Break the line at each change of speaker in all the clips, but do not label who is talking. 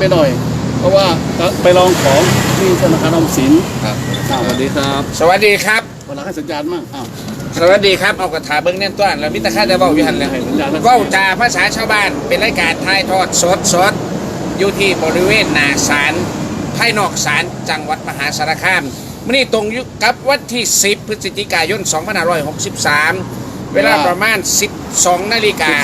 ไปหน่อย เพราะว่าไปลองของที่ธนาคารออมสินครับสวัสดีครับ
สวัสดีครับ
วันหลังให้สัญญาณมั่ง
สวัสดีครับเอากระถาเบิ้งแน่นต้นแล้วมิตรข้าจะเว้าอยู่หันเลยเว้าจาภาษาชาวบ้านเป็นรายการถ่ายทอดสดอยู่ที่บริเวณหน้าศาลภายนอกศาลจังหวัดมหาสารคามมื้อนี้ตรงอยู่กับวันที่10พฤศจิกายน2563เวลาประมาณ12 นาฬิกา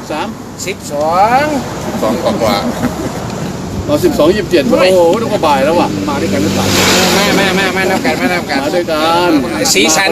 12กว่าเรา12:27โอ้โหต้องก็บ่ายแล้วว่ะมาด้วยกันหรือเปล่า
มานับกันมา
ด้วยกัน
สีสัน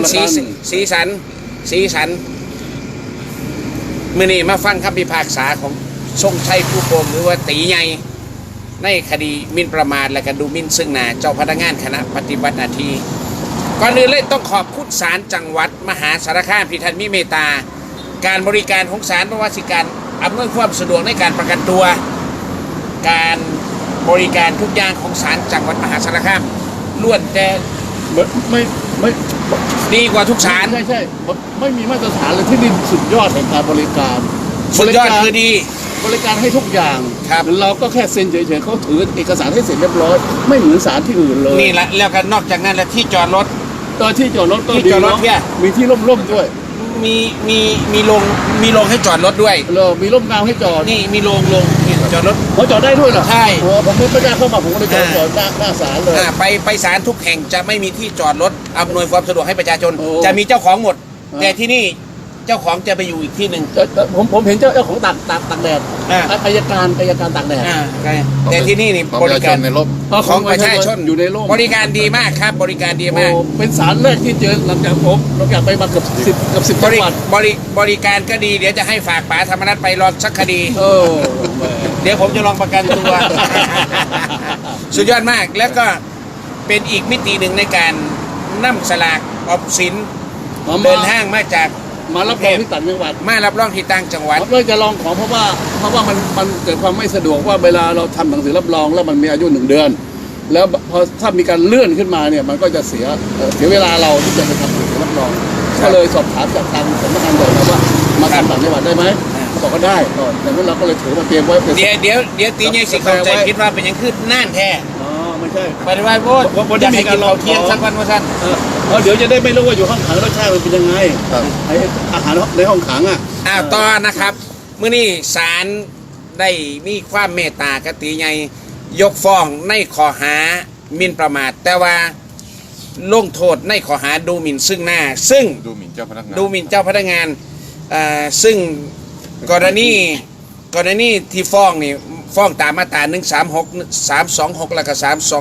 มื้อนี้มาฟังคำพิพากษาของทรงชัยผู้โกงหรือว่าตีใหญ่ในคดีหมิ่นประมาทและก็ดูหมิ่นซึ่งหน้าเจ้าพนักงานคณะปฏิบัติหน้าที่ก่อนอื่นเลยต้องขอบคุณศาลจังหวัดมหาสารคามที่ท่านมีเมตตาการบริการของศาลเพราะว่าสิการอำนวยความสะดวกในการประกันตัวการบริการทุกอย่างของศาลจังหวัดมหาสารคามล้วนแต่
ไม่
ดีกว่าทุกศาล
ใช่ไม่มีมาตรฐานเลยที่นี่สุดยอดแห่งการบริการ
สุดยอดคือดี
บริการให้ทุกอย่าง
ครับ
เราก็แค่เซ็นเฉยๆเขาถือเอกสารให้เสร็จเรียบร้อยไม่เหมือนศาลที่อื่นเลย
นี่แหละแล้วก็นอกจากนั้นแล้วที่จอดรถ
ตอนที่จอดรถก็ดีเนาะมีที่ร่มๆด้วย
มีโรงให้จอดรถด้วย
มีร่มเงาให้จอด
นี่มีโรงจอดรถ
เขาจอดได้ด้วยเหรอ
ใช่
ผมไม่กล้าเข้ามาผมก็เลยจอดหน้าศาลเลย
ไปศาลทุกแห่งจะไม่มีที่จอดรถอำนวยความสะดวกให้ประชาชนจะมีเจ้าของหมดแต่ที่นี่เจ้าของจะไปอยู่อีกที่หนึ่ง
ผมเห็นเจ้าของตากแดดอายการตากแดด
แต่ที่นี่นี่บริการ
ในร่ม
ของประชาชน
อยู่ในร่ม
บริการดีมากครับบริการดีมาก
เป็นศาลแรกที่เจอหลังจากผมไปมาเกือบ10จังหวัด
บริการก็ดีเดี๋ยวจะให้ฝากป๋าธรรมนัสไปรอสักคดีเดี๋ยวผมจะลองประกันตัวสุดยอดมากแล้วก็เป็นอีกมิติหนึ่งในการนำสลากออมสินเดินห้างมาจาก
มารับรองที่ต่างจังหวัด
มารับรองที่ต่างจังหวัด
เราจะลองของเพราะว่ามันเกิดความไม่สะดวกว่าเวลาเราทำหนังสือรับรองแล้วมันมีอายุ1 เดือนแล้วพอถ้ามีการเลื่อนขึ้นมาเนี่ยมันก็จะเสียเวลาเราที่จะไปทำหนังสือรับรองก็เลยสอบถามจากทางสำนักงานใหญ่นะว่ามาทำต่างจังหวัดได้ไหมเขาบอกว่าได้ก่อนดังนั้นเราก็เลยถือมาเตรียมไว้
เดี๋ยวตีใหญ่สิเข้าใจคิดว่าเป็นยังขึ้นน่านแท้
ไม่ใช่
ปฏิวัติโพดอยากให้กินเราเที่ยงสักวันว่าสั้น
เดี๋ยวจะได้ไม่รู้ว่าอยู่ห้องขังรสชาติมันเป็นยังไงไออาหารในห้องขัง
ต่อนะครับเมื่อนี้ศาลได้มีความเมตตากติใหญ่ยกฟ้องในข้อหาหมิ่นประมาทแต่ว่าลงโทษในข้อหาดูหมิ่นซึ่งหน้าซึ่ง
ดูหมิ่นเจ้าพนัก
งานซึ่งกรณีที่ฟ้องนี่ฟ้องตามมาตรา136 326แล้วก็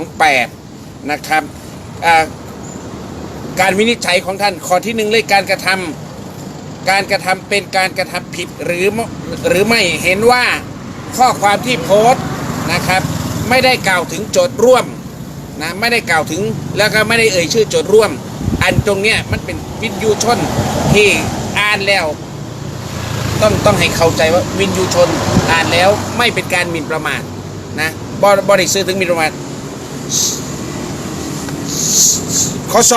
328นะครับการวินิจฉัยของท่านข้อที่1เลยการกระทำเป็นการกระทำผิดหรือไม่เห็นว่าข้อความที่โพสต์นะครับไม่ได้กล่าวถึงโจทย์ร่วมนะไม่ได้กล่าวถึงแล้วก็ไม่ได้เอ่ยชื่อโจทย์ร่วมอันตรงเนี้ยมันเป็นวินยูชนที่อ่านแล้วต้องให้เข้าใจว่าวินยูชนอ่านแล้วไม่เป็นการหมิ่นประมาทนะบริสื่อถึงหมิ่นประมาทข้อ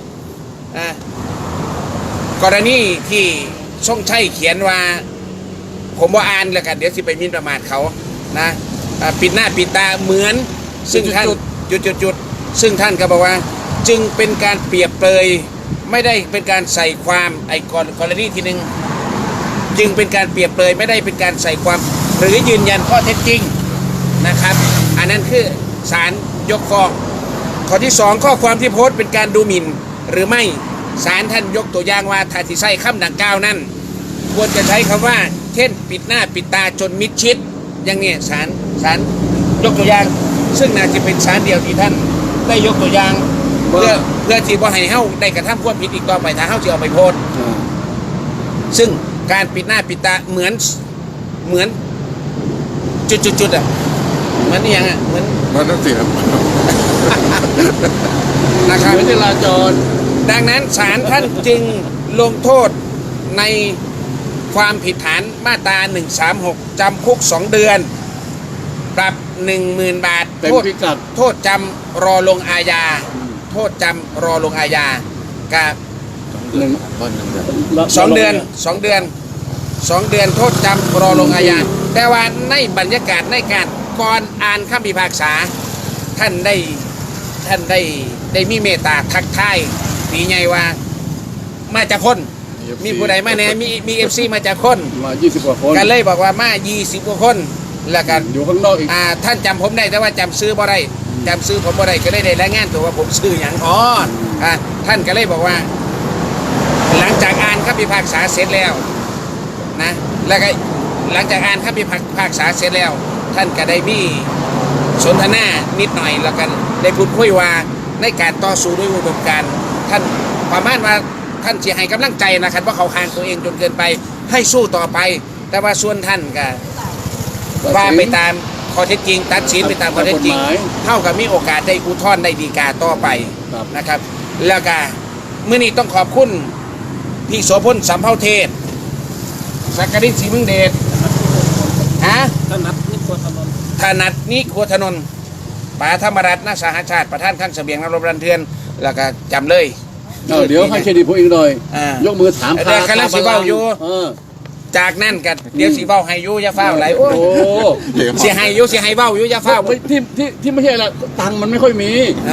2กรณีที่ทรงชัยเขียนว่าผมว่าอ่านแล้วกันเดี๋ยวสิไปหมิ่นประมาทเขานะปิดหน้าปิดตาเหมือนซึ่งท่านจุดซึ่งท่านก็บอกว่าจึงเป็นการเปรียบเปรยไม่ได้เป็นการใส่ความกรณีที่1จึงเป็นการเปรียบเปรยไม่ได้เป็นการใส่ความหรือยืนยันข้อเท็จจริงนะครับอันนั้นคือศาลยกฟ้องข้อที่2ข้อความที่โพสต์เป็นการดูหมิ่นหรือไม่ศาลท่านยกตัวอย่างว่าถ้าที่ใช้คำดังกล่าวนั้นควรจะใช้คำว่าเช่นปิดหน้าปิดตาจนมิดชิดอย่างนี้ศาลยกตัวอย่างซึ่งน่าจะเป็นศาลเดียวที่ท่านได้ยกตัวอย่างเพื่อที่บ่ให้เฮาได้กระทำความผิดอีกต่อไปถ้าเฮาจะเอาไปโพสต์ซึ่งการปิดหน้าปิดตาเหมือนจุดเหมือนนี่ยังเหมือน
นั่นสิครับ
นะครับ
จราจร
ดังนั้นศาลท่านจึงลงโทษในความผิดฐานมาตรา136จำคุก2 เดือนปรับ 10,000 บาทโทษจำรอลงอาญาโทษจำรอลงอาญากับ2 เดือนโทษจำรอลงอาญาแต่ว่าในบรรยากาศในการก่อนอ่านคำพิพากษาท่านได้มีเมตตาทักทายตีไงว่ามาจากคนมีผู้ใดมาแน่มีเอฟซีมาจากคน
มา20กว่าคน
กันเลยบอกว่ามา20กว่าคนแล้วกัน
อยู่ข้างนอกอีก
ท่านจำผมได้แต่ว่าจำซื้อบ่ได้จำซื้อผมบ่ได้ก็ได้รายงานตัวว่าผมซื้ออย่างท่านก็เลยบอกว่า หลังจากอ่านคำพิพากษาเสร็จแล้วนะแล้วก็หลังจากอ่านคำพิพากษาเสร็จแล้ว ท่านก็ได้มีสนทนานิดหน่อยแล้วกันได้พูดคุยว่าในการต่อสู้ด้วยอุดมการณ์ท่านประมาณว่าท่านเสียให้กำลังใจนะครับว่าเขาคางตัวเองจนเกินไปให้สู้ต่อไป แต่ว่าส่วนท่านก็ว่าไปตามข้อเท็จจริงตัดสินไปตามข้อเท็จจริงเท่ากับมีโอกาสได้อุทธรณ์ได้ฎีกาต่อไปนะครับ แล้วก็เมื่อนี้ต้องขอบคุณพี่โสพลสัมเภาเทศสักกริศศรีมึงเดชถนัดนิโคถนนป๋าธรรมรัตน์ณสหชาติประธานขั้นเสบียงนรบรันเทือนแล้วก็จำเลย
เดี๋ยวให้เครดิตผมอีกหน่อยยกมือถาม
เดี๋ยวกำลังสิเว้าอยู่จากนั้นกันเดี๋ยวสิเว้าให้อยู่อย่าฟ้าวไหลโอ้สิให้อยู่สิให้เว้าอยู่อย่าฟ้าว
ที่ไม่ใช่ละตังค์มันไม่ค่อยมี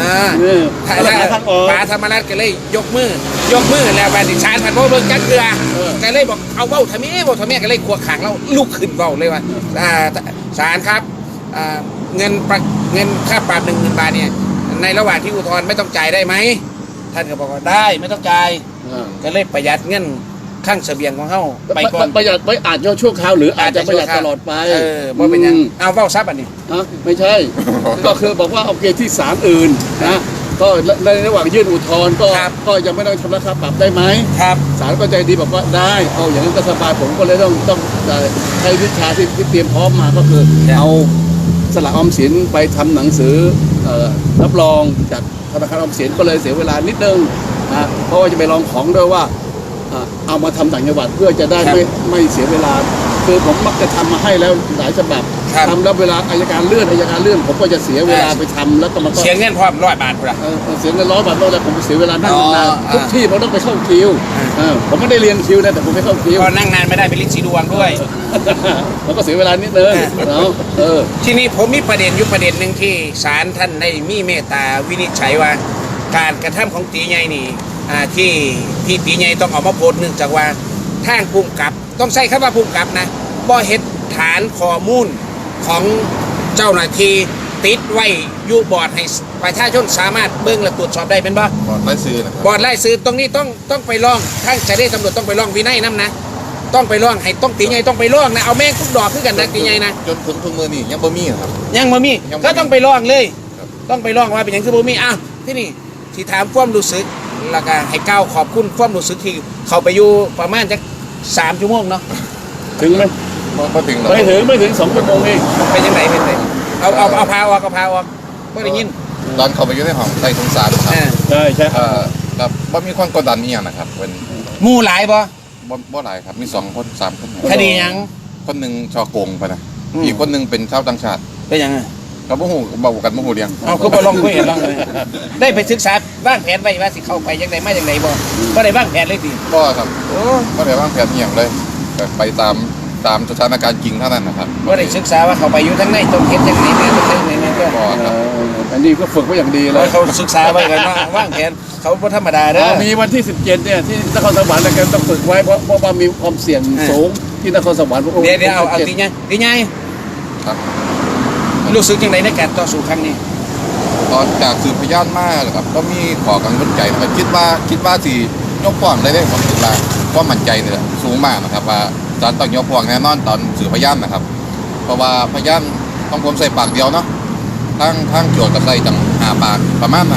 ป๋าธรรมรัตน์ก็เลยยกมือแล้วบัดนี้ชาญพันธุ์เบิ่งจักเรือก็เลยบอกเอาเว้าทำไมก็เลยขวกขางเราลุกขึ้นเว้าเลยว่าศาลครับเงินค่าปรับ 10,000 บาทเนี่ยในระหว่างที่อุทธรณ์ไม่ต้องจ่ายได้ไหมท่านก็บอกว่าได้ไม่ต้องจ่ายก็เลยประหยัดเงินข้างเสบียงของเขาไปก่อน
ประหยัดไว้อาจจะชั่วคราวหรืออาจจะประหยัดตลอดไป
เพราะเป็นยังเอาเว้าซับอันนี้
ไม่ใช่ ก็คือบอกว่าโอเคที่ศาลอื่นนะก็ในระหว่างยื่นอุทธรณ์ก็ยังไม่ต้องชำระค่าปรับได้ไหม
ครับ
ศาลก็ใจดีบอกว่าได้เอาอย่างนั้นก็สบายผมก็เลยต้องใช้วิชาที่เตรียมพร้อมมาก็คือเอาสลากออมสินไปทำหนังสือรับรองจากธนาคารออมสินก็เลยเสียเวลานิดนึงนะเพราะว่าจะไปลองของด้วยว่าเอามาทำต่างจังหวัดเพื่อจะได้ไม่เสียเวลาคือผมมักจะทำมาให้แล้วหลายฉบับทำแล้วเวลาอายการเลื่อนผมก็จะเสียเวลาไปทำแล้วก็มันก็
เสียเงินพร้อม100 บาทพุ่น
เสียเงิน100 บาทแล้วผมเสียเวลานั่งนานทุกที่ผมต้องไปเข้าคิวผมไม่ได้เรียนคิวนะแต่ผมไม่เข้าคิว
ก็นั่งนานไม่ได้เป็นลิ้นสีดวงด้วย
แล้วก็เสียเวลานิดนึง
ทีนี้ผมมีประเด็นอยู่ประเด็นหนึ่งที่ศาลท่านได้มีเมตตาวินิจฉัยว่าการกระทำของตีใหญ่นี่ที่ตีใหญ่ต้องออกมาโพสต์เนื่องจากว่าทางภูมิกับต้องใช้คำว่าภูมิกับนะบ่เฮ็ดฐานข้อมูลของเจ้าหน้าที่ติดไว้อยู่บอร์ดให้ประชาชนสามารถเบิ่งและตรวจสอบได้เป็นบ่
บอร์ดไล่ซื้อนะครับ
บอร์ดไล่ซื้อตรงนี้ต้องไปร้องทางเจ้าหน้าที่ตำรวจต้องไปร้องวินัยนำนะต้องไปร้องให้ต้องตีใหญ่ต้องไปร้องนะเอาแม่งทุกดอกคือกันนะตีใหญ่นะ
จนถึงทุกมือนี่ยังบ่มีครับ
ยังบ่มีก็ต้องไปร้องเลยต้องไปร้องว่าเป็นอย่างคือบ่มีที่นี่ที่ถามความรู้สึกแล้วก็ให้ก้าวขอบคุณความรู้สึกที่เขาไปอยู่ประมาณจัก3 ชั่วโมงเนาะ
ถึงไหม
ไม่ถึง
ไม่ถึง2 ชั่วโมงเอง
ไปยังไงเอาพาออกไม่ได้ยิน
ตอนเขาไปอยู่ในห้องใต้สงสารครับ
ใช่
ครับว่ามีความกดดันนี่อย่างนะครับเป็น
หมู่หลายบ่
หลายครับมี2 คน 3 คน
คดียัง
คนหนึ่งช่อโกงไปนะอีกคนหนึ่งเป็นชาวต่างชาติ
เป็นยังไง
กับบ่ฮู้บอกกันบ่ฮู้เรื่อง
เอาคือบ่ลองคุยกันลองเลยได้ไปศึกษาวางแผนไว้ว่าสิเข้าไปจังได๋มาจังได๋บ่ได้วางแผนเลยติ
บ่ครับบ่ได้วางแผนอีหยังเลยไปตามสถานการณ์จริงเท่านั้นนะครับ
บ่ได้ศึกษาว่าเข้าไปอยู่ทางไหนต้องเฮ็ดจังได๋แม่ต้องเฮ็ดจังได๋ก็
บ่ครับ
อันนี้ก็ฝึกไว้อย่างดีแล้ว
เขาศึกษาไว้กันว่าวางแผนเขาบ่ธรรมดาเด้อ
มีวันที่17เนี่ยที่นครสวรรค์แล้วกันต้องฝึกไว้เพราะว่ามีความเสี่ยงสูงที่นครสวรรค์
เดี๋ยวเอาตีใหญ่
ครับ
รู้สึกจังได๋ในการต่อสู้ครั้งนี้
ตอนจากสืบพยานมาครับก็มีขอกังวลใจนะครับคิดว่าสิยกฟ้องได้ผมคิดว่าก็มั่นใจเนี่ยสูงมากนะครับว่าศาลต้องยกฟ้องแน่นอนตอนสืบพยานนะครับเพราะว่าพยานต้องผมใส่ปากเดียวเนาะทั้งโจทย์กับใส่จัง5 ปากประมาณ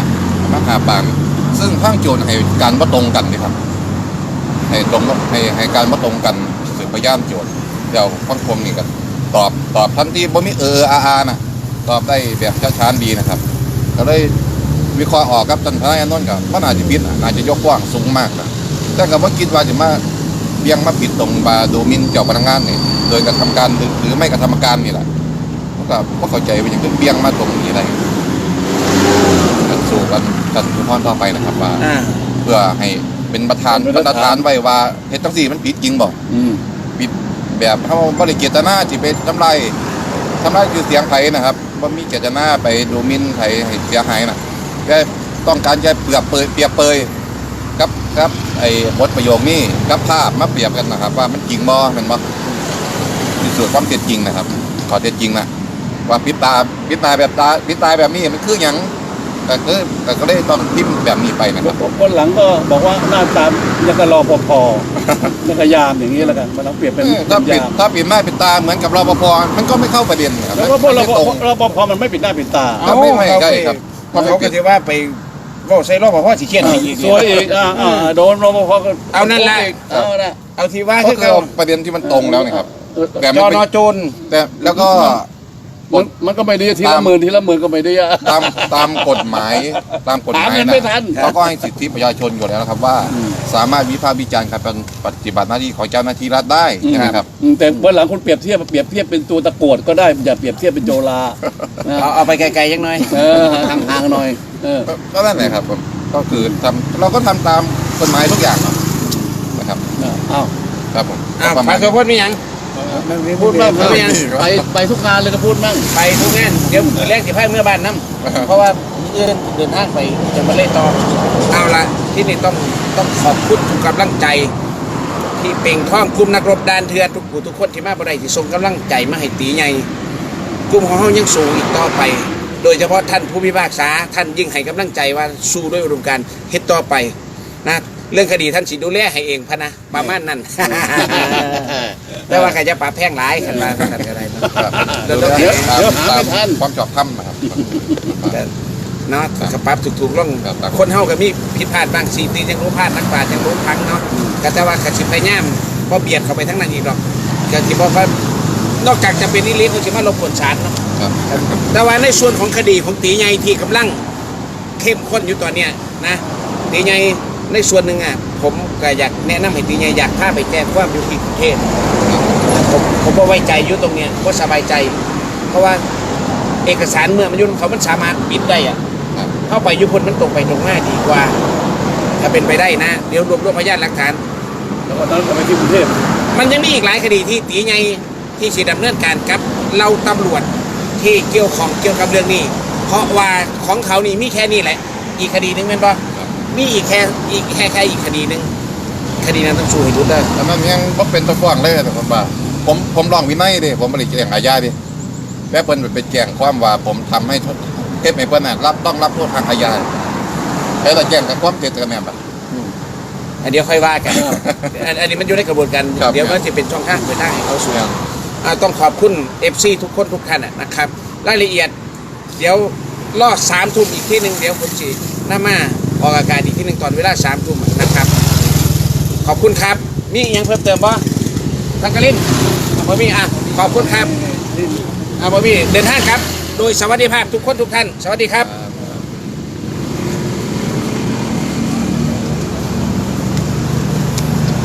5 ปากซึ่งทั้งโจทย์ให้การบ่ตรงกันนี่ครับให้การบ่ตรงกันสืบพยานโจทย์เดี๋ยวข้องคมนี่ก็ตอบทันทีบ่มีนะตอบได้แบบช้าๆดีนะครับก็เลยวิเคราะห์ออกครับท่านทนายอานนท์ก็มันอาจจะผิดอาจจะยกฟ้องสูงมากนะแต่ก็บ่คิดว่าจะมาเบี่ยงมาผิดตรงบาดูหมิ่นเจ้าพนักงานนี่โดยกระทำการหรือไม่กระทำการนี่แหละก็เข้าใจว่าอย่างเบี่ยงมาตรงนี้อะไรกันสู้กันทุกท่านต่อไปนะครับว่าเพื่อให้เป็นประธานไว้ว่าเฮ็ดจังซี่มันผิดจริงบ่ผิดแบบเขาบ่ได้เจตนาที่ไปทำลายทำร้ายชื่อเสียงไผนะครับว่ามีเจตนาไปดูหมิ่นไผให้เสียหายนะแค่ต้องการแค่เปรียบเปยกับไอ้บทประโยคนี้กับภาพมาเปรียบกันนะครับ ว่ามันจริงบ่แมันบ่พิสูจน์ความเท็จจริงนะครับข้อเท็จจริงนะว่าพิษตาแบบนี้มันคือหยังแต่ก็เลยต้องพิมพ์แบบนี้ไปนะครับ
คนหลังก็บอกว่าหน้าตายังกับรอปภยังกับยามอย่างนี้แล้วกันมันต้องเปรียบเป็น
ถ้าปิด
ยาม
ถ้าปิดหน้าปิดตาเหมือนกับรปภมันก็ไม่เข้าประเด็นครับ
แล้วก็พวก
มันไม่ตรง
รปภมันไม่ปิดหน้าปิดตา
ครับไม่ใช่ครับ
เพราะเขาก็จะว่าไปเว่าใส่รอบพ่อสิเครียดอีก
สวยอีกโดนรปภก็
เอานั่นแหละ
เอาละ
เอาที่ว่า
ก็
คือ
คือ
เขา
ประเด็นที่มันตรงแล้วนะครับ แต่
จ
มัน
อ
เป็น
นอโจร
แต่แล้วก็
มันก็ไม่ดีทีละหมื่นก็ไม่ดีอะ
ตามกฎหมาย
หาเงิน
นะ
ไม่ทัน
เขาก็ให้สิทธิประชาชนอยู่แล้วนะครับว่า สามารถวิพากษ์วิจารณ์การปฏิบัติหน้าที่ของเจ้าหน้าที่รัฐได้ใช่ไหมครับ
แต่วันหลังคุณเปรียบเทียบเป็นตัวตะกรวดก็ได้อย่าเปรียบเทียบเป็นโจรานะ
เอาไปไกลๆยังน้อย
ห่างๆหน่อย
ก็นั่นแหละครับผมก็คือเราก็ทำตามกฎหมายทุกอย่างนะครับ
อ้าว
ครับผม
อ้าว
ประมา
พา
ณ
โซพจน์มีหยัง
พูดบ้าง
ไม่เป็นไร
ไปทุกงานเลยก็พูดบ้าง
ไปทุกงานเดี๋ยวมือแรกสิพาเมื่อบ้านน้ำเพราะว่ามื้ออื่นเดินทางไปจะมาเล่นต่อเอาละที่นี่ต้องขอบคุณทุกกำลังใจ ที่เป่งท่องกลุ่มนักรบดานเถื่อนทุกผู้ทุกคนที่มาบ่ได้ที่ส่งกำลังใจมาให้ตีใหญ่กลุ่มของเฮายังสู้อีกต่อไป โดยเฉพาะท่านผู้พิพากษาท่านยิ่งให้กำลังใจว่าสู้ด้วยอุดมการณ์เฮ็ดต่อไปนะเรื่องคดีท่านสิดูแลให้เองพะนะประมาณนั้น แต่ว่าใครจะปราบแพ่งหลายขันมาขันอะไรนะครับ
เดี๋ยว
เดี๋ยว
ตาม
หาไม่ทัน
ความชอบธรรมนะครับ
เนาะกระปรับถูกๆล่อง
ครับ
คนเฮาก็มีผิดพลาดบางสิ่งที่ยังรู้พลาดนักปราชญ์ยังรู้พังเนาะก็แต่ว่าขัดสิพยายามพอเบียดเข้าไปทั้งนั้นอีกหรอกก็ที่บอกว่านอกจากจะเป็นนิริตเขาจะมาลบกวนศาลเนาะ
ครับ
แต่ว่าในส่วนของคดีของตีใหญ่ที่กำลังเข้มข้นอยู่ตอนเนี้ยนะตีใหญ่ในส่วนหนึ่งอ่ะผมก็อยากแนะนำให้ตีใหญ่อยากพาไปแจ้งความอยู่ที่กรุงเทพผมก็ไว้ใจอยู่ตรงเนี้ยก็สบายใจ เพราะว่าเอกสารเมื่อมันยุ่งเขามันสามารถปิดได้อ่ะ
ครับ
เข้าไปยุพนมันตรงไปตรงมาดีกว่า ถ้าเป็นไปได้นะเดี๋ยวรวบพยานหลักฐาน
แล้วก็นั้นก็ไปที่กรุงเทพ
มันยังมีอีกหลายคดีที่ตีใหญ่ที่สิดำเนินการกับเราตำรวจที่เกี่ยวกับเรื่องนี้ เพราะว่าของเขานี่มีแค่นี้แหละ อีกคดีหนึงแม่นบ่มีอีกแค่อีกคดีหนึงคดีนั้นต้องสู้ให้รู้ได้
แล้วมันยังบ่เป็นตะฟ้องเลยแต่ผมว่าผมลองวินัยดิผมบริแจ้งอาญาดิแม่เปิ้นไปแจ้งความว่าผมทำให้เทพให้เปิ้นน่ะต้องรับโทษทางอาญาแล้วแต่แจ้งกับความเท็จกันแม่นบ่
เดี๋ยวค่อยว่ากัน อันนี้มันอยู่ในกระบวนการ
ครับ
เดี๋ยวมันจะเป็นช่องทางเปิดทางให้เขาสู่
ครับ
ต้องขอบคุณ FC ทุกคนทุกท่านนะครับ รายละเอียด เดี๋ยวรอ3 ทุ่มอีกที่หนึ่งเดี๋ยวผมจะนำมาออกอากาศอีกที่หนึ่งตอนเวลา3 ทุ่มนะครับ ขอบคุณครับ มีอีกอย่างเพิ่มเติมบ่ทังกะลินบ่มีขอบคุณครับบ่มีเดินทางครับ โดยสวัสดิภาพทุกคนทุกท่าน สวัสดีครับ